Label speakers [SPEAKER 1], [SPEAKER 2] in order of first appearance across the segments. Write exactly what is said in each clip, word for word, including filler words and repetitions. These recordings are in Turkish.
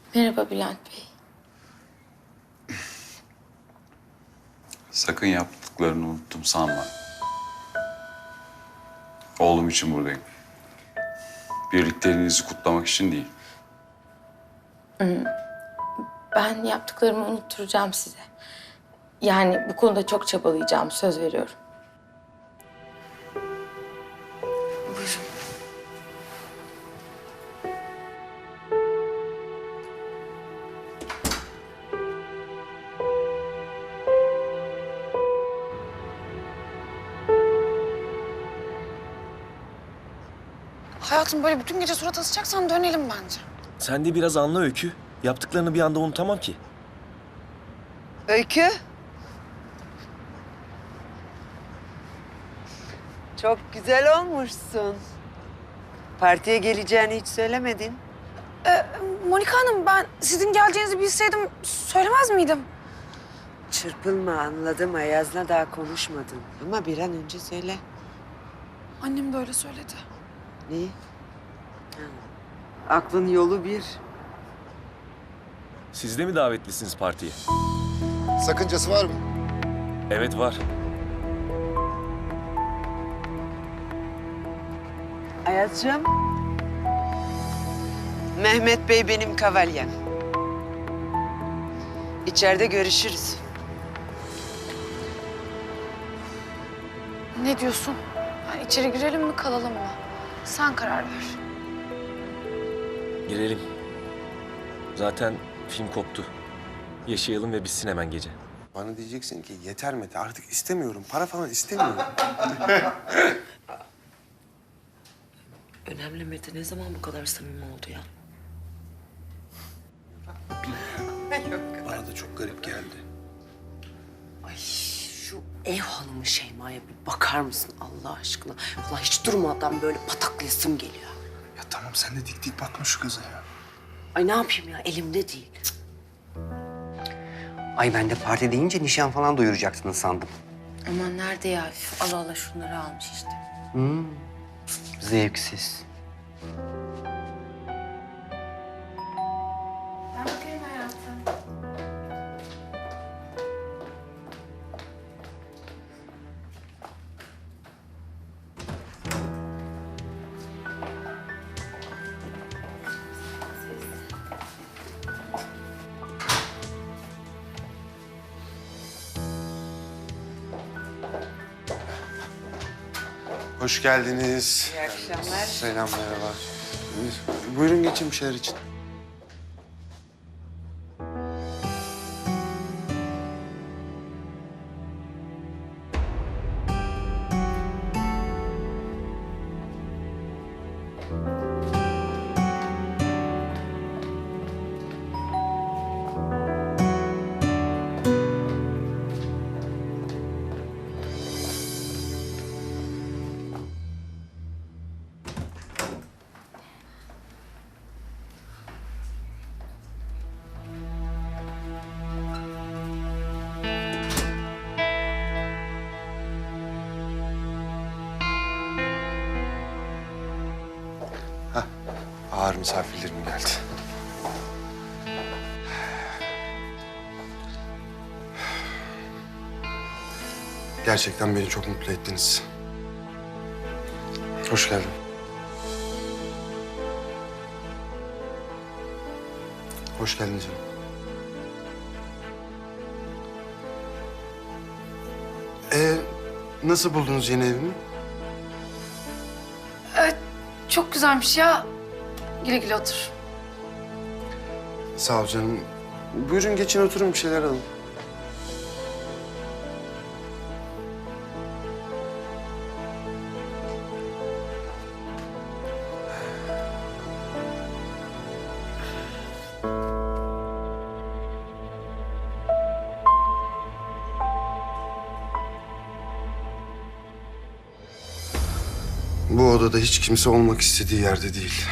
[SPEAKER 1] Merhaba Bülent Bey.
[SPEAKER 2] Sakın yaptıklarını unuttum sanma. Oğlum için buradayım. Birlikteliğinizi kutlamak için değil.
[SPEAKER 1] Ben yaptıklarımı unutturacağım size. Yani bu konuda çok çabalayacağım, söz veriyorum. Buyurun.
[SPEAKER 3] Hayatım böyle bütün gece surat asacaksan dönelim bence.
[SPEAKER 4] Sen de biraz anla Öykü. Yaptıklarını bir anda unutamam ki.
[SPEAKER 5] Öykü. Çok güzel olmuşsun. Partiye geleceğini hiç söylemedin.
[SPEAKER 3] Ee, Monika Hanım ben sizin geleceğinizi bilseydim söylemez miydim?
[SPEAKER 5] Çırpılma, anladım. Ayaz'la daha konuşmadın. Ama bir an önce söyle.
[SPEAKER 3] Annem de öyle söyledi.
[SPEAKER 5] Ne? Ha. Aklın yolu bir.
[SPEAKER 4] Siz de mi davetlisiniz partiye?
[SPEAKER 6] Sakıncası var mı?
[SPEAKER 4] Evet var.
[SPEAKER 5] Ayaz'cığım. Mehmet Bey benim kavalyem. İçeride görüşürüz.
[SPEAKER 3] Ne diyorsun? Yani içeri girelim mi kalalım mı? Sen karar ver.
[SPEAKER 4] Girelim. Zaten film koptu. Yaşayalım ve bitsin hemen gece.
[SPEAKER 7] Bana diyeceksin ki yeter Mete artık istemiyorum. Para falan istemiyorum.
[SPEAKER 8] Önemli Mete ne zaman bu kadar samimi oldu ya?
[SPEAKER 7] Bana da çok garip geldi.
[SPEAKER 8] Ay şu ev hanımı Şeyma'ya bir bakar mısın Allah aşkına? Vallahi hiç durmadan böyle pataklayasım geliyor.
[SPEAKER 7] Ya tamam sen de dik dik bakma şu kıza ya.
[SPEAKER 8] Ay ne yapayım ya elimde değil.
[SPEAKER 9] Ay ben de parti deyince nişan falan duyuracaksınız sandım.
[SPEAKER 1] Aman nerede ya? Üf, Allah Allah şunları almış işte.
[SPEAKER 9] Hmm, zevksiz.
[SPEAKER 3] Ben bakayım hayatım.
[SPEAKER 7] Hoş geldiniz.
[SPEAKER 5] İyi akşamlar.
[SPEAKER 7] Selam merhaba. Buyurun geçin bir şeyler için. Hah, ağır misafirlerim geldi. Gerçekten beni çok mutlu ettiniz. Hoş geldin. Hoş geldin canım. Ee, nasıl buldunuz yeni evimi?
[SPEAKER 3] Evet çok güzelmiş ya. Güle güle otur.
[SPEAKER 7] Sağ ol canım. Buyurun geçin oturun bir şeyler alın. Bu odada hiç kimse olmak istediği yerde değil.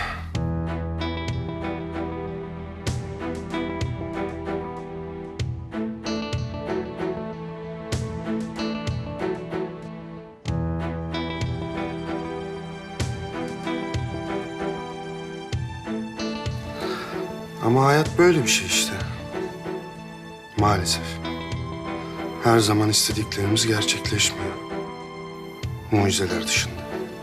[SPEAKER 7] Ama hayat böyle bir şey işte. Maalesef. Her zaman istediklerimiz gerçekleşmiyor. Mucizeler dışında.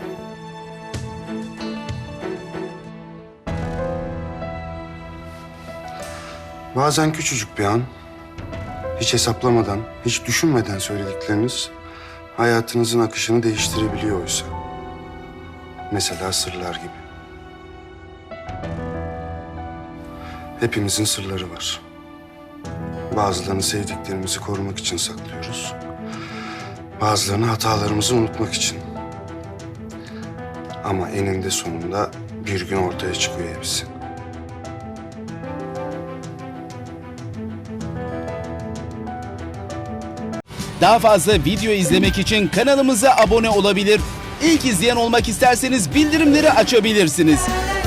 [SPEAKER 7] Bazen küçücük bir an, hiç hesaplamadan, hiç düşünmeden söyledikleriniz hayatınızın akışını değiştirebiliyor oysa. Mesela sırlar gibi. Hepimizin sırları var. Bazılarını sevdiklerimizi korumak için saklıyoruz. Bazılarını hatalarımızı unutmak için. Ama eninde sonunda bir gün ortaya çıkıyor hepsi.
[SPEAKER 10] Daha fazla video izlemek için kanalımıza abone olabilir. İlk izleyen olmak isterseniz bildirimleri açabilirsiniz.